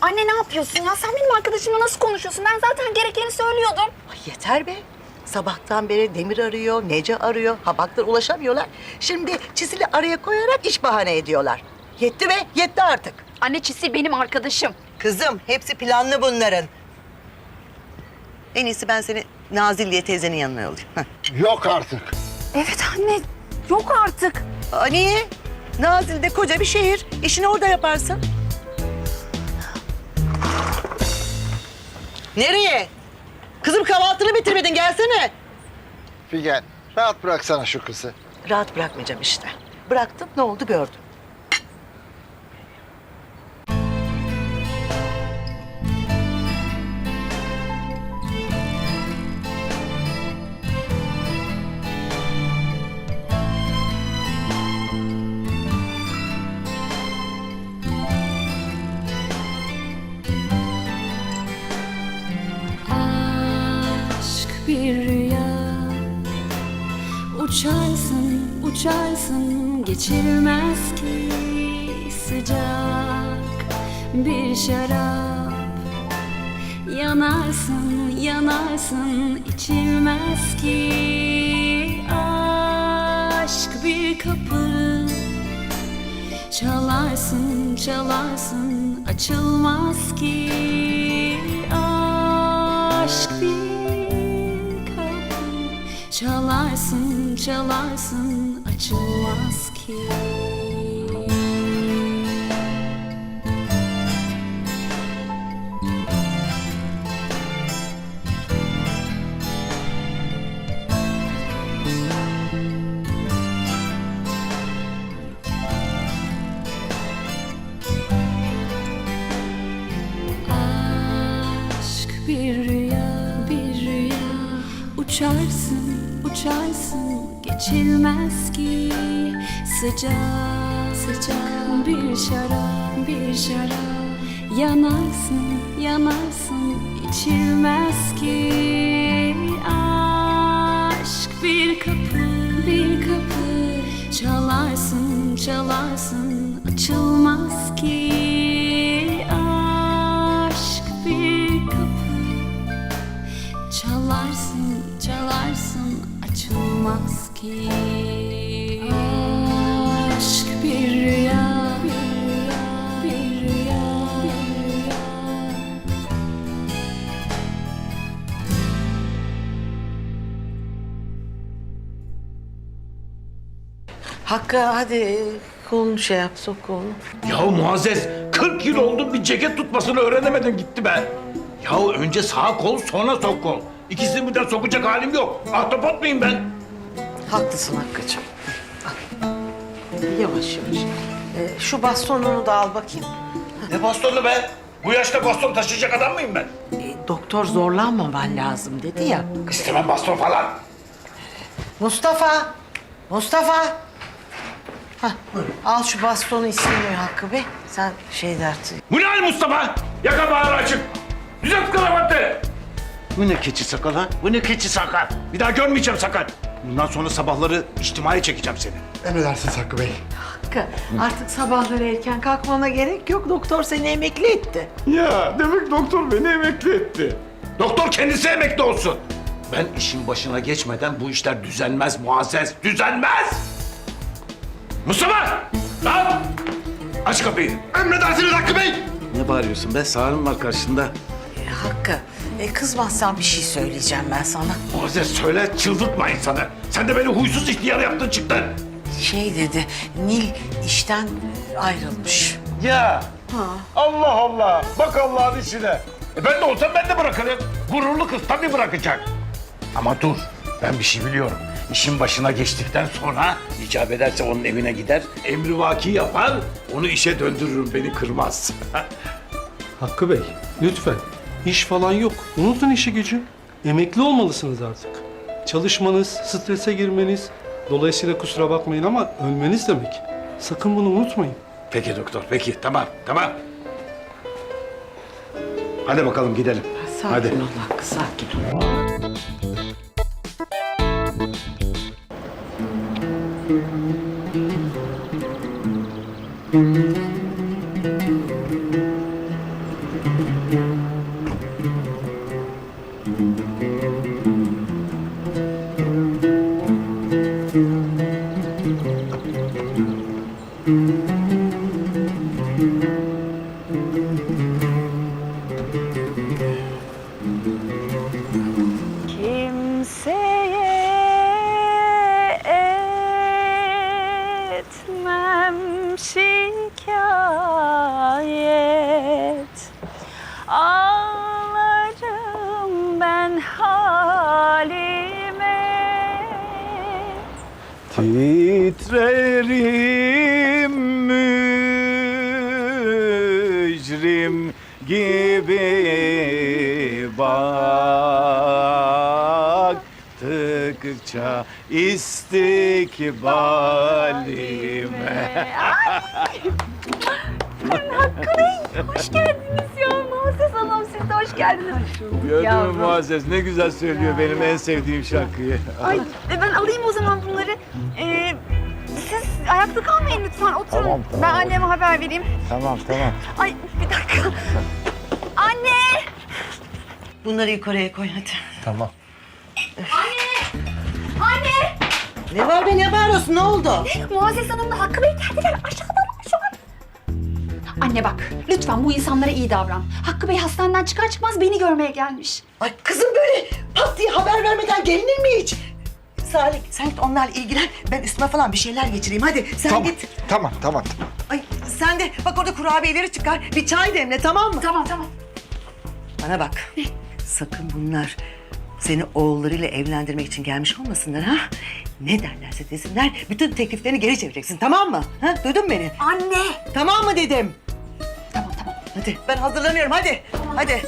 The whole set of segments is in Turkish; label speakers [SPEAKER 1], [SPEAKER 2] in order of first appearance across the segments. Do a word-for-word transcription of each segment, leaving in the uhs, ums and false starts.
[SPEAKER 1] Anne ne yapıyorsun ya? Sen benim arkadaşımla nasıl konuşuyorsun? Ben zaten gerekeni söylüyordum.
[SPEAKER 2] Ay yeter be. Sabahtan beri Demir arıyor, Nece arıyor. Ha baktılar ulaşamıyorlar. Şimdi Çisil'i araya koyarak iş bahane ediyorlar. Yetti be, yetti artık.
[SPEAKER 1] Anne Çisil benim arkadaşım.
[SPEAKER 2] Kızım, hepsi planlı bunların. En iyisi ben seni Nazilliye teyzenin yanına yollayayım. Heh.
[SPEAKER 3] Yok artık.
[SPEAKER 1] Evet anne. Yok artık.
[SPEAKER 2] Aa, niye? Nazilli koca bir şehir. İşini orada yaparsın. Nereye? Kızım kahvaltını bitirmedin, gelsene.
[SPEAKER 3] Figen, rahat bıraksana şu kızı.
[SPEAKER 2] Rahat bırakmayacağım işte. Bıraktım, ne oldu gördüm.
[SPEAKER 4] Aşk bir rüya, uçarsın, uçarsın, geçilmez ki sıcak bir şarap. Yanarsın, yanarsın, içilmez ki aşk bir kapı. Çalarsın, çalarsın, açılmaz ki aşk bir kapı. Çalarsın, çalarsın, açılmaz ki. Aşk bir rüya, bir rüya. Uçarsın, uçarsın, geçilmez ki sıcak, sıcak bir şarap, bir şarap. Yanarsın, yanarsın, içilmez ki aşk bir kapı, bir kapı. Çalarsın, çalarsın, açılmaz ki aşk bir kapı. Çalarsın, çalarsın, açılmaz ki aşk bir rüya, bir rüya, bir rüya, bir rüya.
[SPEAKER 2] Hakkı hadi kolunu şey yap, sok kolunu.
[SPEAKER 5] Ya Muazzez, kırk yıl oldu bir ceket tutmasını öğrenemedin gitti be. Ya önce sağ kol sonra sol kol. İkisini birden sokacak halim yok. Ahtapot muyum ben?
[SPEAKER 2] Haklısın Hakkı'cığım. Al. Yavaş yavaş. Ee, şu bastonunu da al bakayım.
[SPEAKER 5] Ne bastonu be? Bu yaşta baston taşıyacak adam mıyım ben?
[SPEAKER 2] Ee, doktor zorlanmaman lazım dedi ya.
[SPEAKER 5] İstemem baston falan.
[SPEAKER 2] Mustafa! Mustafa! Hah, al şu bastonu istemiyor Hakkı Bey. Sen şey dersin.
[SPEAKER 5] Bu ne hal Mustafa? Yaka bağır açık. Düzelt kravatı.
[SPEAKER 6] Bu ne keçi sakal ha? Bu ne keçi sakal?
[SPEAKER 5] Bir daha görmeyeceğim sakal. Bundan sonra sabahları içtimai çekeceğim seni.
[SPEAKER 3] Emredersiniz Hakkı Bey.
[SPEAKER 2] Hakkı, artık sabahları erken kalkmana gerek yok. Doktor seni emekli etti.
[SPEAKER 5] Ya demek doktor beni emekli etti. Doktor kendisi emekli olsun. Ben işin başına geçmeden bu işler düzelmez Muazzez, düzelmez! Mustafa! Lan! Aç kapıyı.
[SPEAKER 3] Emredersiniz Hakkı Bey.
[SPEAKER 6] Ne bağırıyorsun be? Sağırım var karşında.
[SPEAKER 2] E, Hakkı, e, kızmazsan bir şey söyleyeceğim ben sana.
[SPEAKER 5] Muazzez söyle, çıldırtma insanı. Sen de beni huysuz ihtiyar yaptın çıktın.
[SPEAKER 2] Şey dedi, Nil işten ayrılmış.
[SPEAKER 5] Ya! Allah Allah! Bak Allah'ın işine. E ben de olsam ben de bırakırım. Gururlu kız tabii bırakacak. Ama dur, ben bir şey biliyorum. İşin başına geçtikten sonra icap ederse onun evine gider, emrivaki yapar, onu işe döndürürüm, beni kırmaz.
[SPEAKER 7] Hakkı Bey, lütfen. İş falan yok. Unutun işi gücü. Emekli olmalısınız artık. Çalışmanız, strese girmeniz, dolayısıyla kusura bakmayın ama ölmeniz demek. Sakın bunu unutmayın.
[SPEAKER 5] Peki doktor, peki. Tamam, tamam. Hadi bakalım gidelim.
[SPEAKER 2] Sakin
[SPEAKER 5] Hadi.
[SPEAKER 2] ol Hakkı, sakin ol.
[SPEAKER 6] Titrerim mücrim gibi baktıkça istikbalime.
[SPEAKER 1] Hoş geldiniz ya. Muazzez Hanım siz de hoş geldiniz.
[SPEAKER 6] Gördün mü Muazzez ne güzel söylüyor benim en sevdiğim şarkıyı.
[SPEAKER 1] Ay e, ben alayım o zaman bunları. Ee, siz ayakta kalmayın lütfen oturun.
[SPEAKER 3] Tamam, tamam.
[SPEAKER 1] Ben anneme haber vereyim.
[SPEAKER 3] Tamam tamam.
[SPEAKER 1] Ay bir dakika. Anne!
[SPEAKER 2] Bunları yukarıya koy hadi.
[SPEAKER 3] Tamam.
[SPEAKER 1] Anne!
[SPEAKER 2] Ne var be ne bağırıyorsun ne oldu?
[SPEAKER 1] Muazzez Hanım'la Hakkı Bey geldiler. Aşağıdalar şu an. Anne bak lütfen bu insanlara iyi davran. Hakkı Bey hastaneden çıkar çıkmaz beni görmeye gelmiş.
[SPEAKER 2] Ay kızım böyle pat diye haber vermeden gelinir mi hiç? Salih sen git onlarla ilgilen. Ben üstüme falan bir şeyler geçireyim hadi. Sen
[SPEAKER 3] Tamam
[SPEAKER 2] git.
[SPEAKER 3] tamam tamam. tamam.
[SPEAKER 2] Ay sen de bak orada kurabiyeleri çıkar. Bir çay demle tamam mı?
[SPEAKER 1] Tamam tamam.
[SPEAKER 2] Bana bak. Sakın bunlar seni oğullarıyla evlendirmek için gelmiş olmasınlar ha? Ne derlerse desinler bütün tekliflerini geri çevireceksin tamam mı? Ha? Duydun mu beni?
[SPEAKER 1] Anne!
[SPEAKER 2] Tamam mı dedim?
[SPEAKER 1] Tamam tamam.
[SPEAKER 2] Hadi ben hazırlanıyorum hadi. Hadi.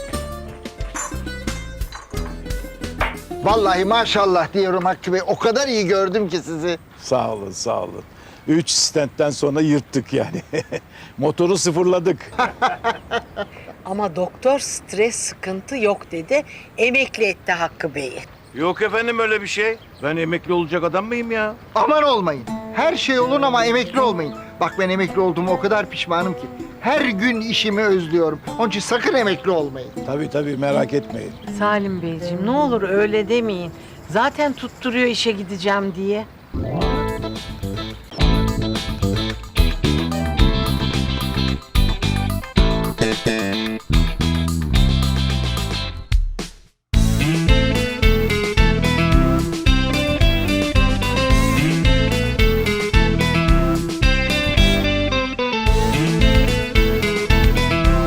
[SPEAKER 3] Vallahi maşallah diyorum Hakkı Bey. O kadar iyi gördüm ki sizi.
[SPEAKER 6] Sağ olun sağ olun. Üç stentten sonra yırttık yani. Motoru sıfırladık.
[SPEAKER 8] Ama doktor stres sıkıntı yok dedi. Emekli etti Hakkı Bey'i.
[SPEAKER 6] Yok efendim öyle bir şey. Ben emekli olacak adam mıyım ya?
[SPEAKER 3] Aman olmayın. Her şey olun ama emekli olmayın. Bak ben emekli olduğuma o kadar pişmanım ki. Her gün işimi özlüyorum. Onun için sakın emekli olmayın.
[SPEAKER 6] Tabii tabii merak etmeyin.
[SPEAKER 8] Salim Beyciğim ne olur öyle demeyin. Zaten tutturuyor işe gideceğim diye.